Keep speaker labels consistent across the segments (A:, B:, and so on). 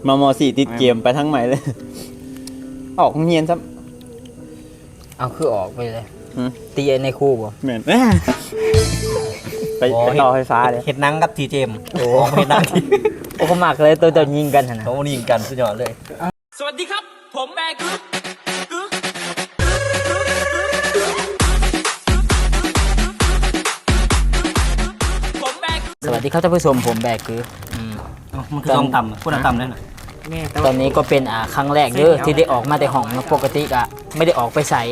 A: ม.4ติดเกมไปทั้งใหม่เลยออกเงียนซะ
B: เอาคือออกไปเลยตีในคู่บ่
A: แม่นไปต่อไฟฟ้าเลย
C: เห็ดนังกับทีเจมโอ้เห็ดนัง
B: โอ้เขามักเลยตัวยิงกันนะ
C: เขายิงกันสุดยอดเลย
D: สวัสดีครับผมแบกึ๊กผมแบก
B: สวัสดีครับท่านผู้ชมผมแบกคือ
C: มันคือต้องต่ำพูดต่ำได้หน่อย
B: ตอนนี้ก็เป็นครั้งแรกเด้อที่ได้ออกมาแต่ห้องเนาะปกติก็ไม่ได้ออกไปใส่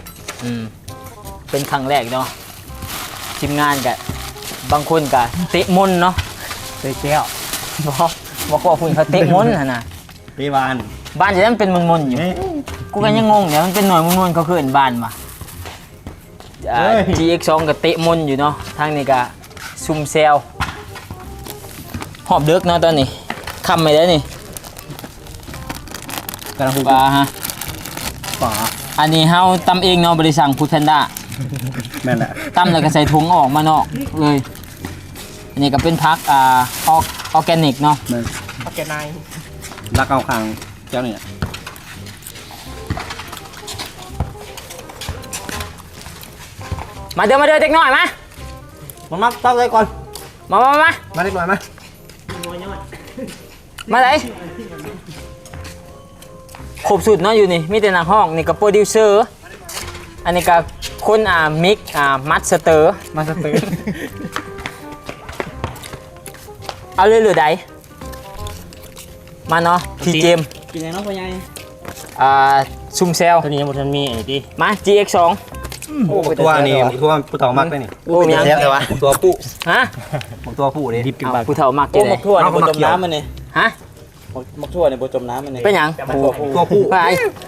B: เป็นครั้งแรกเนาะทีมงานกับบางคนก็เตะมุนเนาะ
C: เตะแก้ว
B: บอกว่าคุณเขาเตะมุนนะ
C: เตะบาน
B: บ้านจะนั้นเป็นมุนๆอยู่กูก็ยังงงเนี่ยมันเป็นหน่วยมุนๆเขาคือเห็นบ้านมาGX2 กับเตะมุนอยู่เนาะทางนี้ก็ซุ่มเซลหอบเด็กเนาะตอนนี้คำไม่ได้นี่
C: กำลังพูด
B: ปลาฮะ
C: ฝา
B: อันนี้เฮาตำเองเนาะบริสั่งฟูดแพนด้า
C: แม่นแหละ
B: ตำแล้วก็ใส่ถุงออกมานอกเลยอันนี้ก็เป็นพักออร์แกนิกเนาะ
C: แม่น
D: โอเคนาย
C: รักเอาคางเจ้าเนี่ย
B: มาเด้อเด็กหน่อยมา
C: มาเต้าใจก่อน
B: มา
C: มาเล็กหน่อยมา
B: มาไหนครบสุดเนาะอยู่นี่มีแต่นักห้องนี่ก็โปรดิวเซอร์อันนี้ก็คนมิกมัสเตอร์เอาเลยหรือใดมาเนาะทีเจม
A: กินยังน้องพ่อใหญ่
B: ซุ่มเซล
C: ตัวนี้มันมีไอ้ที่
B: มา GX2
C: โอ้ตัวนี้ตัวผู้ต่อมักได้นี่
B: โอ้ยัง
C: แต่ว่าตัวผู้
B: ฮะ
C: ตัวผู้เลยดิบกิน
B: เอา
C: ปลา
B: ผู้เฒ่ามาก
A: โอ้
B: เจ๊
A: หมกทั่วในโบจมน้ำมันนี่
B: ฮะ
A: หมกทั่วในโบจมน้ำมันนี่
B: เป็นหยัง
C: ตัวผู้
B: ไป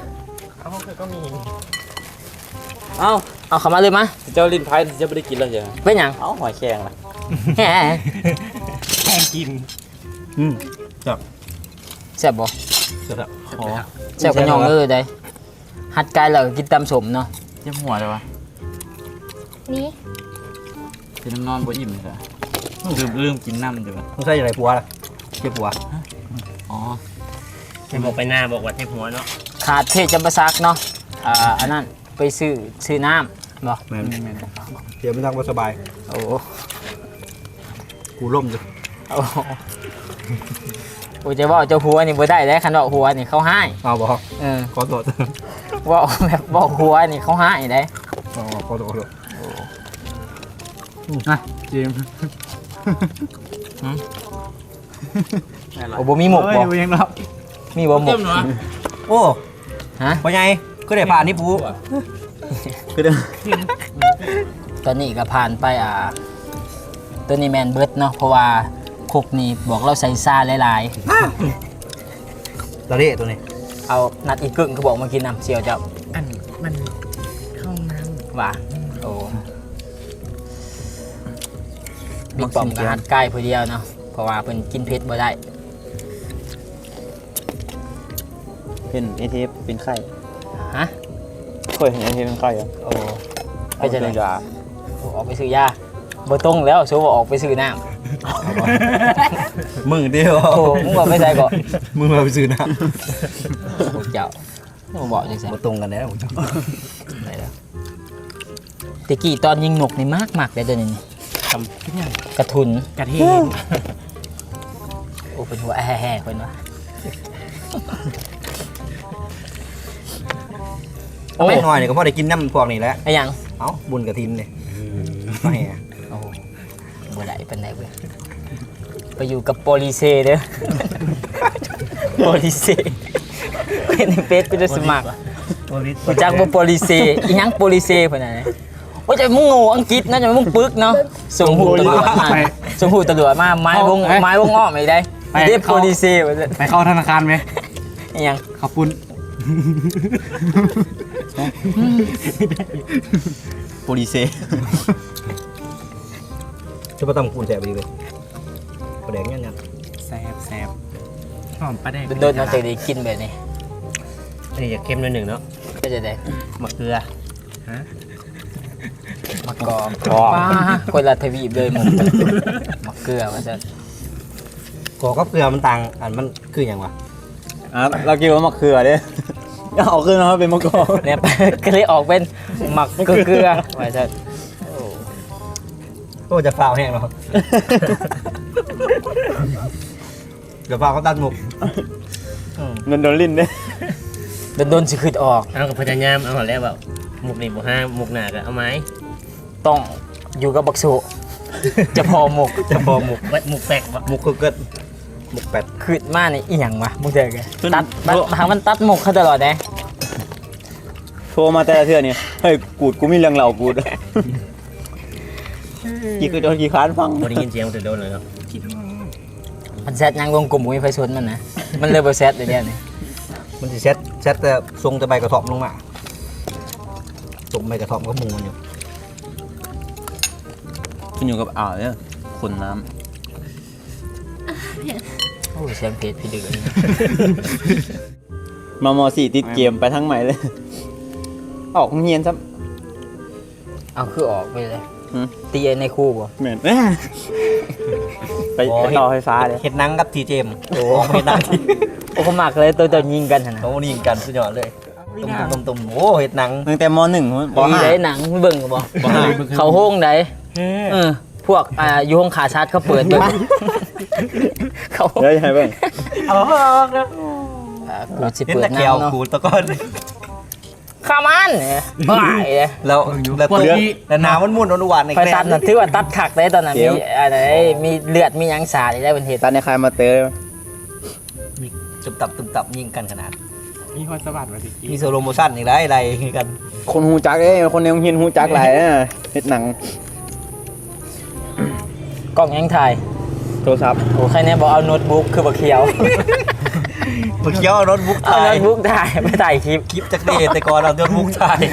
B: เอาเข้ามาเลยมา
A: เจ้าลิ้นพายจะไม่ได้กินแล้วใช่ไหม
B: เป็นหยัง
A: เอาหอยแครงล่ะ
B: แหม
C: แข่งกินจับ
B: แซ่บบ่
C: จับขอ
B: แซ่บกระยองเลยได้หัดกายแล้วก็กินตำสมเนาะ
A: เจ็บหัวเลยวะ
E: นี่
A: กินน้ำนอนบ่อิ่มเลยค่ะลืมกินน้ำเดี๋ยว
C: ต้องใส่อะไรปัวล่ะเก็บปัว
A: อ๋อ
C: บอกไปหน้าบอกว่าเทหัวเนาะ
B: ขาดเทศจำปาซักเนาะอันนั้นไปซื้อน้ำบ่
C: แม่เดี๋ยวไม่ทางว่าสบาย
B: โอ้
C: กูล่มอยู่
B: โอ้โอ้จะว่าเจ้าหัวนี่บ่ได้แล้วคันว่าหัวนี่เขาให้
C: เอาบอก ขอโทษ
B: ว่าแบบบอกหัวนี่เขาให้ได้
C: ขอโทษ
A: นะจิม
B: โอ้บ่มีหมกบ่
C: ยังรับ
B: มีบ่หมก
C: โอ้
B: ฮะ
C: พ่อใหญ่ก็ได้ผ่านนี่ปู
A: คือเด้อ
B: ตอนนี้ก็ผ่านไปตัวนี้แมนเบิร์ดเนาะเพราะว่าคุกนี่บอกเราใส่ซ่าหลาย
C: ตัวนี้ตัวนี้
B: ๆเอานัดอีกกึ่งเขาบอกมากินน้ำเชียวเจ้า
D: อันมันเข้าน้ำ
B: ว่าโอ้บิ๊กปอมก็หัดใกล้ผู้เดียวเนาะเพราะว่าเพิ่นกินเผ็ดบ่ได้
A: เป็นไอเทปเป็นไข่
B: ฮะ
A: เคยเห็นไอเทปเป็นไข่เหรอ
B: โอ้ไปจะไหน
A: ยา
B: ออกไปซื้อยาบ่ตรงแล้วโซว่าออกไปซื้อน้
C: มึงเดียว
B: ำโอ้มึงบอกไม่ใช่ก่อน
C: มึงมาไปซื้อน้
B: โอ้เจ้าบ่บอกจัง
C: ำ
B: ซั่น
C: มาตรงกันแล้ว
B: ได้แล้วตะกี้ตอนยิงนกนี่มากๆเลยตัวนี้นี่
D: ทำยัง
B: กระทุน
D: กระเทียม
B: โอ้เป็นหัวแห่ๆคนวะ
C: โอ้หน่อยเนี่ยก็พอได้กินน้ำพวกนี้แล้ว
B: ไอ้หยัง
C: เอ้าบุญกระทินเนี่ยไม่
B: โอ้บ่ได้เป็นไหนเว้ยไปอยู่กับโปลิเซเด้อ โปลิเซเป็นเฟซกูจะสมัครกูจักบ่โปลิเซอีหยังโปลิเซเพิ่นน่ะนะโอ้ยจะมึงโง่อังกฤษนะจะมึงปึกเนาะส่งหูตำรวจมาส่งหูตำรวจมาไม้วงอ้อมอีกได้เด้โปลิเซว่าซั่น
C: ไปเข้าธนาคารไหม
B: อีหยัง
C: ขับปุ้น
A: โปลิเซ
C: จะมาตำกูนแสบไปดีเลยประแดงยัน
D: แซบหอมปลาแดง
B: โดนๆมันจะได้กินแบบนี้
C: อันนี้จะเค็มหน่อยหนึ่งเนาะ
B: ก็จะได้
C: มะเกลือ
B: มะกอกป้าคนละทวีปเลยหมดมะเกลือว่าซั่น
C: กอกับเกลือมันต่างอันมันคืออย่างวะ
A: เรากินว่ามะเขือเด้เอาขึ้นมาเป็นมะกอก
B: เนี่ย ก็เลยออกเป็นหมักเกลือไว้ซะ
C: โอ้จะฟาวแห้งเนาะเดี๋ยวฟาวเขาตัดหมก
A: มันโดนลิ้นเด้
B: โดนสิขึ้นออก
D: เอากับพญายามเอาหอแล้วแบบหมกนี่บ่ห้าหมกหนาก็เอาไหม
B: ต้องอยู่กับบักสุจะพอหมก
C: จะพอหมก
D: ไว้หมกแปลกบ่
C: หมกคือเกิดหมกแปด
B: ขึ้นมานี่อีหยังวะมึงเจอกันทางมันตัดหมกเขาตลอดนะ
A: โทรมาแต่ละเทื่อนี่เฮ้ยกูดกูมีเรื่องเล่ากูดกี่คือโดนกี่ค้านฟัง
D: บ่ได้ยินเสียงมันจะโดนเลยเนาะ
B: มันแซดยังลงกลุ่มมีไฟชนมันนะมันเลยบ่แซดเลยเนี่ยนี่
C: มันจะเซ็ตแต่ทรงจะใบกระถอบลงมาทรงใบกระถอบก็มูมันอยู่
A: ขึ้นอยู่กับอ่าวเนี่ยคนน้
B: โอ้เสียงเพจพี่ดึกอันนี้
A: ำมาม.4 ติดเกมไปทั้งใหม่เลยออกโรงเรียนซะ
B: เอาคือออกไปเลย
A: หืม
B: ตีในคู่บ่
A: เหมือนไปต่อไฟฟ้าเลย
C: เห็ดนังกับทีเจมโอ้เห็ดนังที่
B: โอ้เขามักเลยตัวยิงกันหั่นน่ะ
C: เขายิงกันสุดยอดเลยตุ่มโอ้เห็ดนัง
A: ตั้งแต่ม.1ป
B: มีได้
A: .5
B: หนังเบิ่งก็บ่เขาโฮงได้พวกอยู่ห้องขาชาร์จเขาเปิดเบิ่งเขา
A: เฮ้ยให้เบิ่ง
B: กูสิ
C: เห็น
B: เปิด
C: ตะเกียว
B: น้ำเนาะ
C: ขูดตะก้อน
B: ข้ามันบ้าเลย
C: แล้วแต่น้ำมันมุ่นหวานใน
B: ไฟ
C: แกล้
B: ตัดน่ะถือว่าตัดขักได้ตอนนั้นมีอะไรมีเลือดมีหยังสาดได้เป็นเหตุ
A: ตอนในคายมาเตอร์
C: ตุ่มตับยิงกันขนาด
D: มีพรสวัสดิ์มาสิ
C: มีโซโลโมชั่นอีกได้อะไรกัน
A: คนฮูจักคนในโรงเรียนฮูจักหลายนะเฮ็ดหนัง
B: กล้องยังถ่าย
A: โทรศัพท์
B: โอ้ใครเนี่ยบอกเอาโน้ตบุ๊กคือบักเขียว
C: เมื่อกี้เอารถบุ๊ก
B: เอา
C: ถ่าย
B: โน้ตบุ๊กถ่ายไม่ถ่ายคลิป
C: คลิปจากเดทแต่ก่อนเอารถบุ๊กถ่าย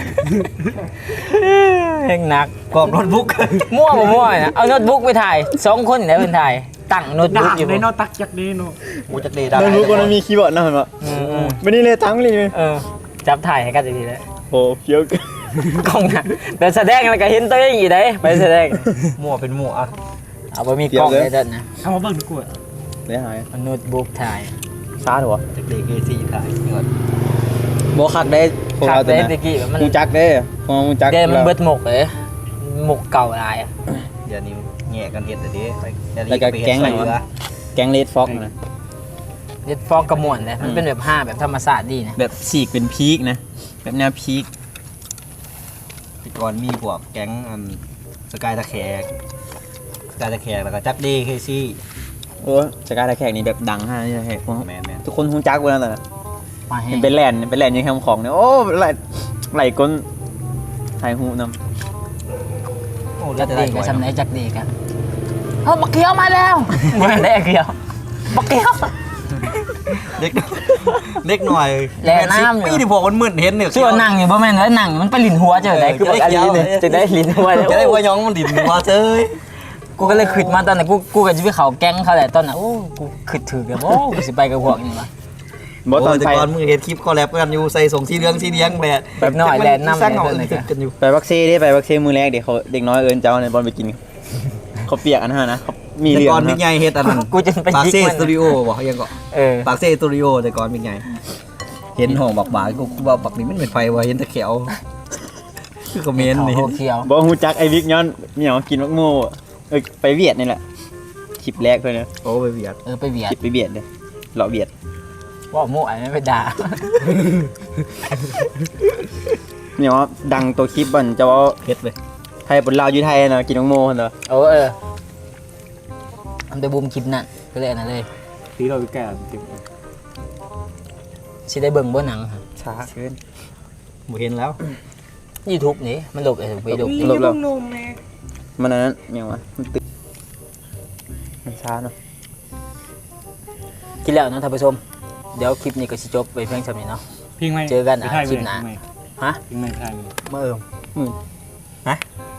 B: เฮงหนัก
C: กรอบรถบุ๊ก
B: มั่วบ่มั่วนะเอาโน้ตบุ๊กไปถ่าย2คนแล้วเป็นถ่ายตั้งโน้ตบุ๊กอยู่
D: ได้เนาะตักจากนี้เนาะ
C: กูจากเดทได้
A: ไม่รู้คนมีคีย์บอร์ดนะเห็นปะ
B: อืม
A: ไม่ได้เลยทั้งเลย
B: จับถ่ายให้กันทีแล้ว
A: โอ้เคี้ยว
B: กล้องนะแต่แสดงแล้วก็เห็นตัวเองอยู่ได้ไปแสดง
C: มั่วเป็นมั่วอ่ะ
B: เอาบ่มีกล้องเลยเด้อนะ
D: เอามาเบิ่งดีกว่า
A: ได้หาย
B: เอาโน้ตบุ๊กถ่าย
A: ซาดหัว
C: จากเดทเอซีถ่ายนี่ก่อน
A: โบคักได้พวก
B: ขา
A: เรา
B: ด
A: ตัว
B: ได้
A: นั้น
B: ตะกี้มัน
A: ฮูจักได้พวกฮูจัก
B: เดี๋ยวมันเบิดหมกเลยหมกเก่าหลาย
C: เดี๋ยวนี้แง่กันเห็ดเดี๋ยวนี้ไป
A: แล้วก็แก๊งไหนวะแก๊งเลดฟ็อกนะ
B: เด็ดฟอกกระมวลเลยมันเป็นแบบ5แบบธรรมศาสตร์ดีนะ
A: แบบฉีกเป็นพีกนะแบบแนวพีก
C: แต่ก่อนมีพวกแก๊งสกายตะแคกแล้วก็จักเดย์เคซี่
A: โอ้สกายตะแขกนี่แบบดังฮะนี่ตะแขกพวก
C: แมน
A: ทุกคนฮูจักเวลาแต่
B: มาแห้
A: เห็
B: ง
A: นเป็นแลนด์ยังแคมของเนี่ยโอ้ไหลก้นไทยฮูน
C: โอ้
B: จั
C: แล้ว
B: ก
C: จะ
B: ดี
C: ได้
B: กับสำเนจักดีกันเอาบักเขียวมาแล้วมาได้เขียวบักเขียว
C: เล็กหน่อย
B: แลน้ำอยู่
C: ปีที่พวกมันมึนเห็นเนี่ย
B: ชื่อว่านั่งอยู่บ่แม่นแล้วนั่งมันไปลิ้นหัวเจอได้คือบักอันนี้เลยจะได้ลิ้นหัวเลย
C: จะได้หัวย้องมันดิ่นมาเจ้ย
B: กูก็เลยขึ้นมาตอนนั้นกูก็จะไปเขาแก๊งเขาแหละตอนนั้นโอ้กูขึ้นถือกันโอ้กูสิไปกับพวกนี้วะ
A: ำบอสตอน
C: แต่
A: ไป
C: ก่อนมึงเห็นคลิปคอลแลบกันอยู่ใส่ส่งสีเหลืองแบบ
B: แบบน้อยแลนน้ำ
C: สร้างเหงา
B: แลน
C: เลยกันอยู่
A: ไปวัคซีได้ไปวัคซีมือแรกเดี๋ยวเขาเด็กน้อยเอิญเจ้าในบอลไปกินเขาเปียกอันนั้นนะเขามี
C: แต่
A: เรื่อง
C: ก่อนมิ
A: นะ
C: กใหญ่เฮ็ดอันนั้น
B: กูจะไป
C: ปาก
B: ยิก
C: เซ่
B: มัน
C: สตูดิโอบอกยังก็ ปากเซ่สตูดิโอแต่ก่อนมิกใหญ่เห็นห้องบักบากูว่าบักนี้มันเป็นไฟว่าเห็นตะเขียวคือคอมเมนต์นี่
B: เขาเขียว
A: บอกฮูจักไอ้วิกย้อนเหนียวกินมักโม่ไปเวียดนี่แหละคลิปแรกเลยนะ
C: โอ้ไปเบียด
B: ไปเบีย
A: ค
B: ด
A: ลิปไปเวียดเลยเราเวียด
B: ว่าโม่ไอ้ไม่ไปด่า
A: เหนียวดังตัวคลิปบันจะว่า
C: เฮ็ดเลย
A: ไทยบนลาวอยู่ไทยนะกินมักโม่เนอะ
B: ทำแต่บูมคลิปนั่นก็เลยอันนั้นเลย
D: ตีเราแก่ติด
B: สิได้เบิ่งบ่หนัง
A: ช้าขึ้น
C: บ่เห็นแล้ว
B: YouTube นี่มันหลบไปหลบ
A: ลบแล้วมันนั้นยังวะมันตึกมันช้าเนาะ
B: คิดแล้วเนาะท่านผู้ชมเดี๋ยวคลิปนี้ก็สิจบไปเพียงเท่านี้เนาะ
D: พิงไหม
B: เจอกันคลิปหน้าฮะ
D: พิงไหมไทย
C: เมื่อ